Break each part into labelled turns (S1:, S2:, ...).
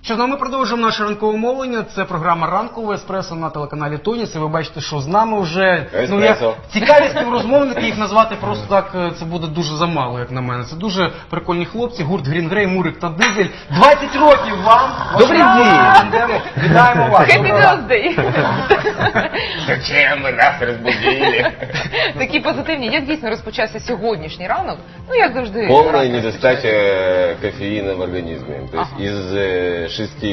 S1: Що ж, ми продовжуємо наше ранкове мовлення. Це програма «Ранкове еспресо» на телеканалі Тоніс. І ви бачите, що з нами вже цікаві співрозмовники. Їх назвати просто так, це буде дуже замало, як на мене. Це дуже прикольні хлопці. Гурт Green Grey, Мурик та Дизель. 20 років вам!
S2: Добрий день!
S1: Вітаємо вас!
S3: Happy birthday!
S2: Зачем ви нас розбудили?
S3: Такі позитивні. Як дійсно розпочався сьогоднішній ранок? Ну, як завжди.
S2: Полная недостача кофеина в организме. То есть из 6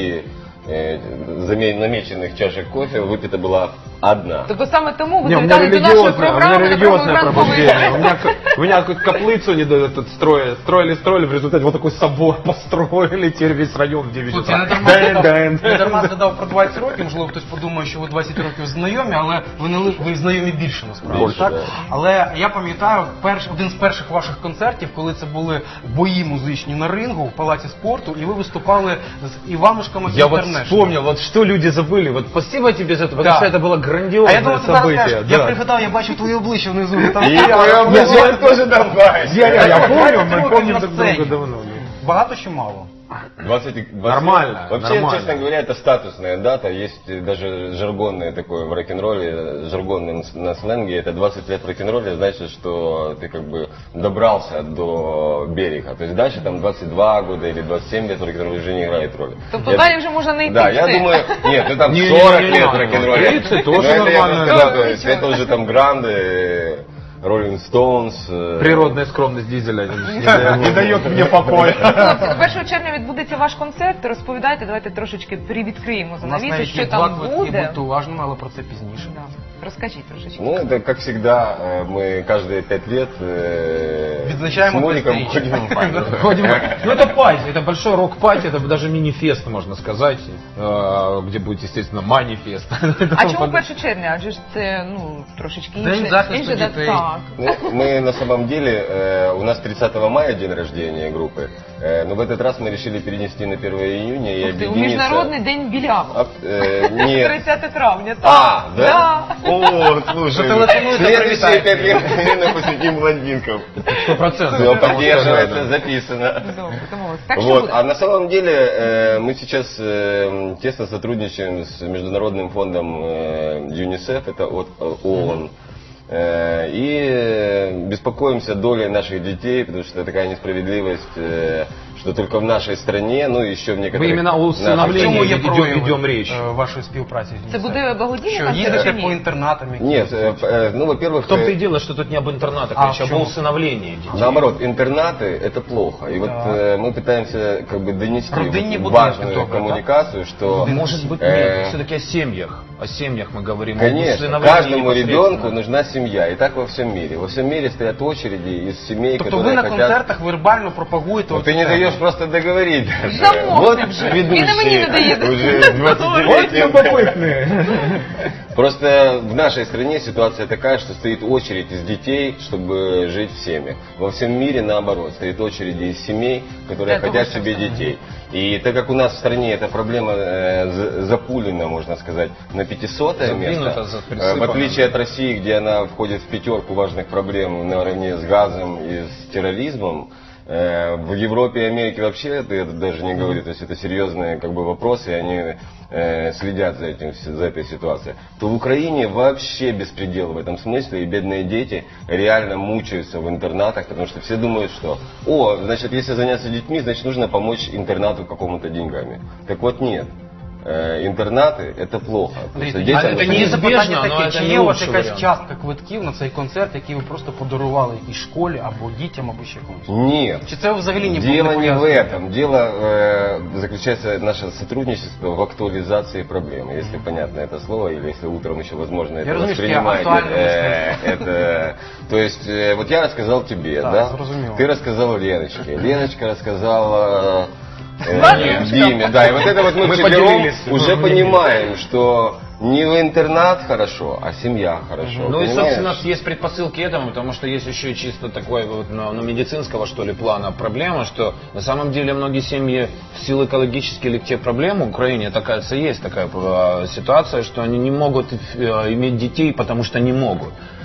S2: намеченных чашек кофе выпита была одна.
S3: Тобто саме тому ви
S4: Не, у меня
S3: завітали до нашої
S4: религиозное,
S3: програми на програму
S4: пробуждение.
S3: «Ранковий».
S4: У меня каплицу не дают, тут строили, в результате вот такой собор построили, теперь весь район в 9
S1: Слухайте,
S4: часов.
S1: не дарма згадав про 20 років, можливо, хтось подумає, що ви 20 років знайомі, але ви знайомі більше насправді.
S2: Більше,
S1: Так?
S2: да.
S1: Але я пам'ятаю один з перших ваших концертів, коли це були бої музичні на рингу в Палаці спорту, і ви виступали з Іванушками
S4: Я вот
S1: International.
S4: вспомнил, вот что люди забыли. Вот спасибо тебе за это, потому
S1: Да.
S4: что это было
S1: А я
S4: грандиозное
S1: думав, ти зараз
S4: событие.
S1: скажеш, я пригадав, я бачу твоє обличчя внизу. Там
S2: И твое облачение тоже добавить.
S4: Я помню,
S1: 20
S4: мы
S1: років
S4: помним
S1: на
S4: друг
S1: сцені.
S4: друга давно.
S1: Багато чи мало?
S2: 20.
S4: Нормально,
S2: Вообще,
S4: нормально.
S2: честно говоря, это статусная дата. Есть даже жаргонное такое в рок-н-ролле, жаргонное на сленге. Это 20 лет в рок-н-ролле, значит, что ты как бы добрался до берега. То есть дальше там 22 года или 27 лет в рок-н-ролле уже не играет роли.
S3: Тобто далі вже можна не йти.
S2: Да, я думаю, нет, ну там
S4: Не,
S2: 40
S4: не,
S2: лет
S4: не,
S2: рок-н-ролле.
S4: 30 тоже
S2: Но это я
S4: нормально.
S2: просто сказал, то есть это уже там Гранды, Rolling Stones.
S4: Природная скромность Дизеля не дает мне покоя.
S3: Хлопці, 1 червня відбудеться ваш концерт. Розповідайте, давайте трошечки привідкриємо
S1: У нас
S3: занавісу,
S1: навіть
S3: що
S1: є 2
S3: там
S1: квитки,
S3: буде.
S1: будьте уважними, але про це пізніше.
S3: Да. Розкажіть трошечки.
S2: Ну, это как всегда, мы каждые 5 лет
S1: Відзначаємо
S2: с Муриком
S1: 300-річчя.
S2: ходим в память.
S4: Ходим, ну это пати, это большой рок-пати, это даже мини-фест, можно сказать, где будет, естественно, манифест.
S3: А чому 1 червня? Адже ж це, ну, трошечки
S1: День
S3: інше.
S1: захисту
S3: інше, да,
S1: дітей.
S3: так.
S2: Ну, мы на самом деле, у нас 30 мая день рождения группы, но в этот раз мы решили перенести на 1 июня и
S3: Ух ти, у
S2: объединиться.
S3: Міжнародний день білявок.
S2: Нет.
S3: 30 травня, так.
S2: А, да?
S3: Да.
S2: О, слушай,
S1: Зателефонуйте,
S2: следующие 5
S1: привітайте.
S2: лет именно посвятим блондинкам.
S4: 100%.
S2: Все поддерживается, записано.
S3: Добре, домовились. Так що
S2: Вот.
S3: буде?
S2: А на самом деле мы сейчас тесно сотрудничаем с Международным фондом ЮНИСЕФ, это от ООН. И беспокоимся долей наших детей, потому что такая несправедливость, что только в нашей стране, ну и еще в некоторых...
S4: Вы именно о
S1: В
S4: усыновлении
S1: чому є
S4: ведем
S1: прояви
S4: речь.
S1: вашої співпраці? з
S3: Це
S1: ЮНІСЕФ?
S3: буде благодійний
S1: Що
S3: концерт чи
S1: їдете
S3: ні?
S1: по інтернатам?
S2: Нет, ну, во-первых...
S4: В том-то и дело, что тут не об интернатах
S1: А
S4: речь,
S1: в
S4: об
S1: чем?
S4: усыновлении детей.
S2: Наоборот, интернаты это плохо. И вот мы пытаемся как бы донести
S1: Родинні
S2: вот
S1: будинки
S2: важную
S1: только,
S2: коммуникацию, что...
S4: Может быть, нет, все-таки о семьях. О семьях мы говорим. Об
S2: Конечно,
S4: усыновлении
S2: каждому
S4: непосредственно.
S2: ребенку нужна семья. И так во всем мире. Во всем мире стоят очереди из семей,
S1: Тобто
S2: которые
S1: ви на
S2: хотят...
S1: концертах вербально пропагуєте...
S2: Ну,
S1: оцю
S2: ты не
S1: тему.
S2: даешь просто договорить даже.
S3: Замовкни вже. Він на мені не дає.
S2: уже 20
S4: Вот любопытные.
S2: Просто в нашей стране ситуация такая, что стоит очередь из детей, чтобы жить в семьях. Во всем мире наоборот, стоит очереди из семей, которые
S3: Это
S2: хотят
S3: вы
S2: себе
S3: сказали.
S2: детей. И так как у нас в стране эта проблема запулена, можно сказать, на 500-е
S4: Задвинута,
S2: место,
S4: присыпана.
S2: в отличие от России, где она входит в 5 важных проблем наравне с газом и с терроризмом, в Европе и Америке вообще это даже не говорю, то есть это серьезные как бы вопросы, и они следят за этой ситуацией, то в Украине вообще беспредел в этом смысле, и бедные дети реально мучаются в интернатах, потому что все думают, что, значит, если заняться детьми, значит, нужно помочь интернату какому-то деньгами. Так вот нет. Інтернати – це плохо.
S1: Андрій,
S2: Просто
S1: а
S2: дітям
S4: це
S1: мені
S4: неізбіжно,
S1: запитання
S4: але
S1: таке,
S4: це
S1: чи
S4: не
S1: є у вас
S4: лучший
S1: якась
S4: варіант.
S1: частка квитків на цей концерт, який ви просто подарували якійсь школі або дітям, або ще комусь?
S2: Нет.
S1: Чи це взагалі не
S2: Дело не в
S1: пов'язано?
S2: этом. Дело заключается наше сотрудничество в актуализации проблемы, если понятно это слово, или если утром еще возможно это
S1: разумею, что я
S2: воспринимаете.
S1: актуально
S2: Это, то есть, вот я рассказал тебе,
S1: Да,
S2: да?
S1: зрозуміло.
S2: Ты рассказал Леночке, Леночка рассказала
S3: Ладно,
S2: Диме, да, и вот это вот мы
S4: Мы
S2: вчетвером
S4: поделились.
S2: уже понимаем, что не в интернат хорошо, а семья хорошо.
S4: Ну и,
S2: понимаешь?
S4: собственно, есть предпосылки этому, потому что есть еще чисто такой вот, ну, медицинского, что ли, плана проблема, что на самом деле многие семьи в силу экологических или тех проблем в Украине есть такая ситуация, что они не могут иметь детей, потому что не могут.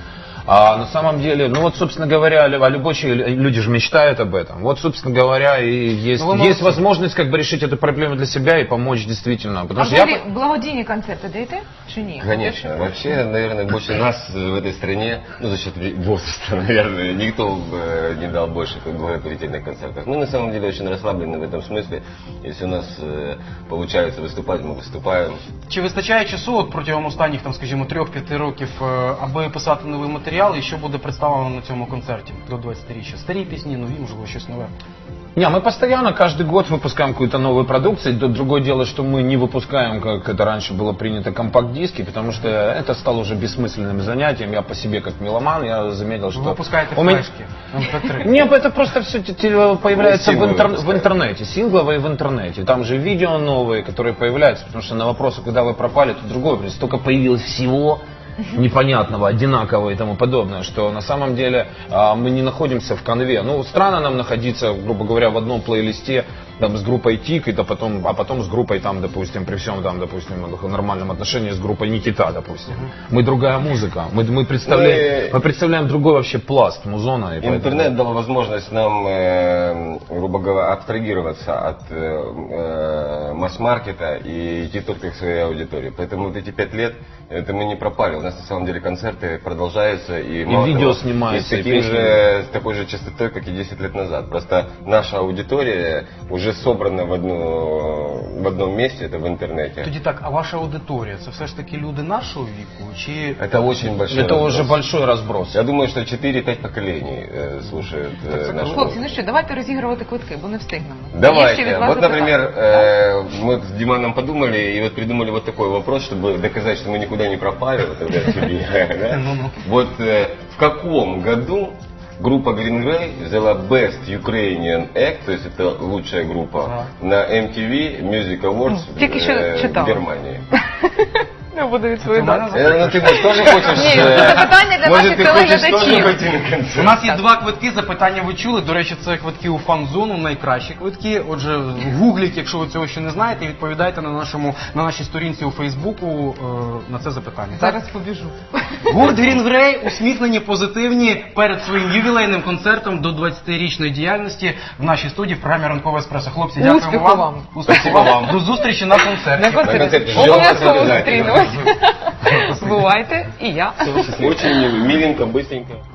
S4: А на самом деле, ну вот, собственно говоря, люди же мечтают об этом. Вот, собственно говоря, и есть возможность как бы решить эту проблему для себя и помочь действительно.
S3: А
S4: Потому что
S3: взагалі благодійні концерти даєте чи ні?
S2: Конечно. Вообще, наверное, больше нас в этой стране, ну, за счет возраста, наверное, никто бы не дал больше благотворительных концертов. Мы на самом деле очень расслаблены в этом смысле. Если у нас получается выступать, мы выступаем.
S1: Чи вистачає часу от протягом останніх, там, скажімо, 3-5 років, аби писати новий матеріал, і що буде представлено на цьому концерті до 20-річчя? Старі пісні, нові, можливо, щось нове?
S4: Не, мы постоянно, каждый год выпускаем какую-то новую продукцию. Другое дело, что мы не выпускаем, как это раньше было принято, компакт-диски, потому что это стало уже бессмысленным занятием. Я по себе, как меломан, я заметил, что...
S1: Вы выпускаете
S4: у меня...
S1: флешки, MP3.
S4: Нет, это просто все появляется
S2: Ну,
S4: в интернете, сингловые в интернете. Там же видео новые, которые появляются, потому что на вопросы, когда вы пропали, то другой вопрос. Столько появилось всего непонятного, одинакового и тому подобное, что на самом деле мы не находимся в конве. Ну, странно нам находиться, грубо говоря, в одном плейлисте там, с группой Тик, а потом с группой, там, допустим, при всем там, допустим, нормальном отношении с группой Никита, допустим. Мы другая музыка, мы представляем другой вообще пласт музона. И
S2: Интернет
S4: поэтому...
S2: дал возможность нам, грубо говоря, абстрагироваться от масс-маркета и идти только к своей аудитории. Поэтому вот эти 5 лет, это мы не пропали. У нас на самом деле концерты продолжаются. И
S4: видео снимаются,
S2: и с такой же частотой, как и 10 лет назад. Просто наша аудитория уже собрана в одном месте, это в интернете.
S1: Тоді так, а ваша аудиторія, це все ж таки люди нашого віку? Чи...
S2: Это очень большой
S4: Это
S2: разброс.
S4: уже большой разброс.
S2: Я думаю, что 4-5 поколений слушают нашу
S3: Хлопці, ну що, давайте розігрувати квитки, бо не встигнемо. Є ще від
S2: Давайте.
S3: вас
S2: Вот,
S3: запитання.
S2: например, мы с Диманом подумали и вот придумали вот такой вопрос, чтобы доказать, что мы никуда не пропали. Вот, тогда тебе, да? Вот в каком году группа Green Grey взяла Best Ukrainian Act, то есть это лучшая группа, на MTV Music Awards
S3: Тільки що
S2: в
S3: читала.
S2: Германии?
S3: Не буду відповідати.
S2: Ну ты может, тоже хочешь...
S3: Ні, це запитання для
S2: Может,
S3: наших
S2: ты хочешь тоже
S3: телеглядачів.
S2: пойти на концерт?
S1: У нас є 2 квитки, запитання ви чули. До речі, це квитки у фан-зону, найкращі квитки. Отже, гугліть, якщо ви цього ще не знаєте, і відповідайте на нашій сторінці у Фейсбуку на це запитання.
S3: Зараз побіжу.
S1: Гурт Green Grey усміхнені, позитивні перед своїм ювілейним концертом до 20-річної діяльності в нашій студії в програмі «Ранкове еспресо». Хлопці, дякуємо
S3: Успіху вам.
S1: Успіху вам. До зустрічі на концерті.
S3: На концерті.
S2: концерті. Ждемо вас
S3: Обов'язково
S2: обов'язково.
S3: зустрінемось. Бувайте, і я.
S2: Очень миленько, быстренько.